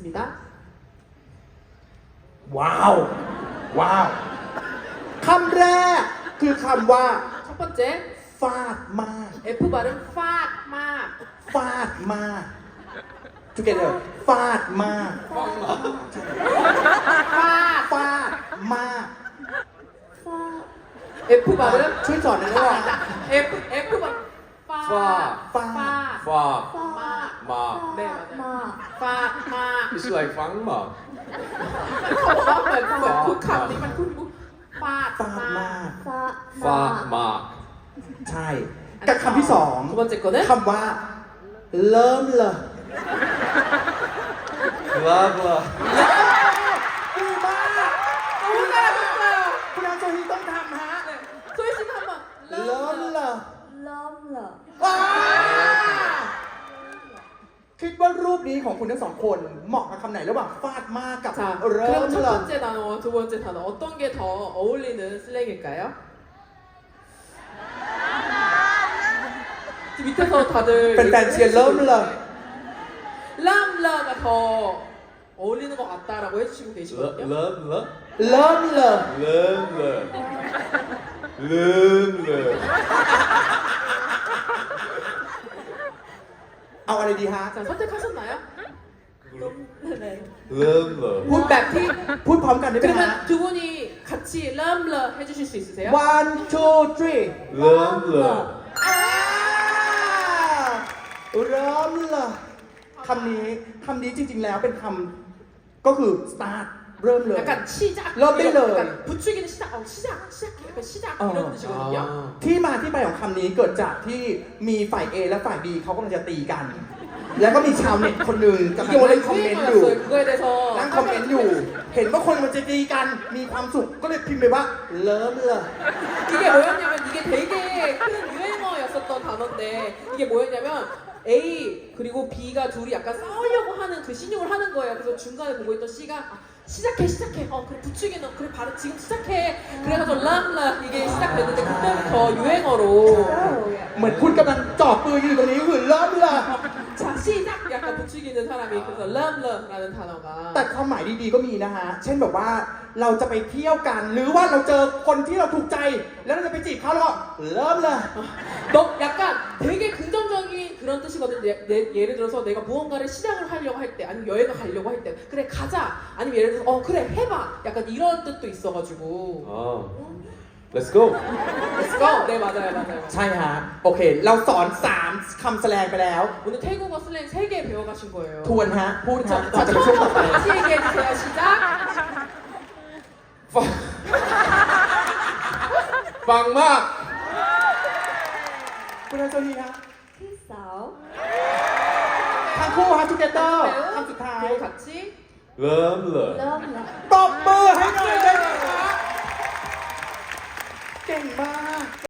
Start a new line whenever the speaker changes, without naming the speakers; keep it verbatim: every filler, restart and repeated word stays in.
있습니다.
ว้าว ว้าว คำแรกคือคำว่า
첫 번째,
ฟาดมาก
F 발음 fat 막.
ฟาดมาก together ฟาดมาก
fat.
ฟาดมาก
F 발음
ช่วยสอนหน่อยได้ไหม
F F 발음 fat.
파.
fat.
Fa.
막.
Ma.
네 맞아요. fat 막.
It's like fang ma.
เขาบอกว่าเหมือนเหมือนทุกคำนี้มันคุ้นคุ้นฟาด
ฟาดมาก
Fa ma.
ใช่ กับคำที่สอง
두 번째 거는
คำว่า เริ่มเลย
Blah blah.
ดีมาก
너무 잘하셨어요.
คุณอาโซฮีต้องทำฮะ
소희 씨도 한번
เริ่มเลย
럼러
ว้าวคิดว่ารูปนี้ของคุณทั้งสองคนเหมาะกับคำไหนระหว่างฟาดมากกับ
자,
เริ่ม
그럼 첫
เลย
번째 단어, 두 번째 단어 어떤 게 더 어울리는 슬랭일까요? 지금 밑에서 다들
เป็นแฟนเชียร์เริ่มเลย
람라가 더 어울리는 것 같다라고 해주시고 계시거든요.
Love love.
เริ่มเลย
Love love. Love love.
เอาอะไรดีฮะ
자, 선택하셨나요?
Love love.
พูดแบบที่พูดพร้อมกันได้ไหมฮะ
그러면 두 분이 같이 람라 해주실 수 있으세요?
one two three
Love love.
อ่าเริ่มเลยคำนี้คำนี้จริงๆแล้วเป็นคำก็คือ start เริ่มเลย
약간 시작.
럼블러.
약간 부추기는 시작. 어, 시작, 시작해. 약간 시작
어.
이런 뜻이거든요.
아.
ที่มาที่ไปของคำนี้เกิดจากที่มีฝ่าย A และฝ่าย B เขากำลังจะตีกัน แล้วก็มีชาวเน็ตคนหนึ่งกำลัง
이게
เล่
원래
นคอมเมนต์อยู่
유행어였어요. 그거에 대해서
นั่งคอมเมนต์อยู่ เห็นว่าคนมันจะตีกัน มีความสุข ก็เลยพิมพ์ไปว่า เริ่มเลย
이게 뭐였냐면 이게 되게 큰 유행어였었던 단어인데 이게 뭐였냐면 A 그리고 B가 둘이 약간 싸우려고 하는 그 신용을 하는 거예요. 그래서 중간에 보고 있던 C가 아, 시작해 시작해 어 그래 부추기는 그래 바로 지금 시작해 그래가지고 람라 이게 시작됐는데 그때부터 유행어로
เหมือนคุณกำลังจ่อปืนอยู่ตรงนี้คือเริ่มเลย
자 시작 약간 부추기는 사람이 그래서 람라라는 단어가
แต่ความหมายดีๆก็มีนะฮะ เช่นแบบว่าเราจะไปเที่ยวกัน หรือว่าเราเจอคนที่เราถูกใจ แล้วเราจะไปจีบเขาแล้วก็เริ่มเลย
너 약간 되게 긍정적인 그런 뜻이거든. 예, 내, 예를 들어서 내가 무언가를 시작을 하려고 할 때, 아니면 여행을 가려고 할 때, 그래 가자. 아니면 예를 들어서 어 그래 해봐. 약간 이런 뜻도 있어가지고.
Ah. Let's go.
Let's go. 네 맞아요 맞아요.
ใช่ฮะ โอเค เราสอนสามคำแสดงไปแล้ว
오늘 태국어 슬랭 세 개 배워가신 거예요.
ทวนฮะ พูดฮะ
자,
ก่อน
자
จะไปช่วงต่อ
처음부터
ไป
다시 얘기해주세요. 시작.
Fang ma.
คุณอาโซฮีฮะ
키사오
ทั้งคู่ฮะทูเกเตอร์คำสุดท้าย
그리고 같이
Love love.
럼러
ตบมือให้หน่อยได้ไหมคะเก่งมาก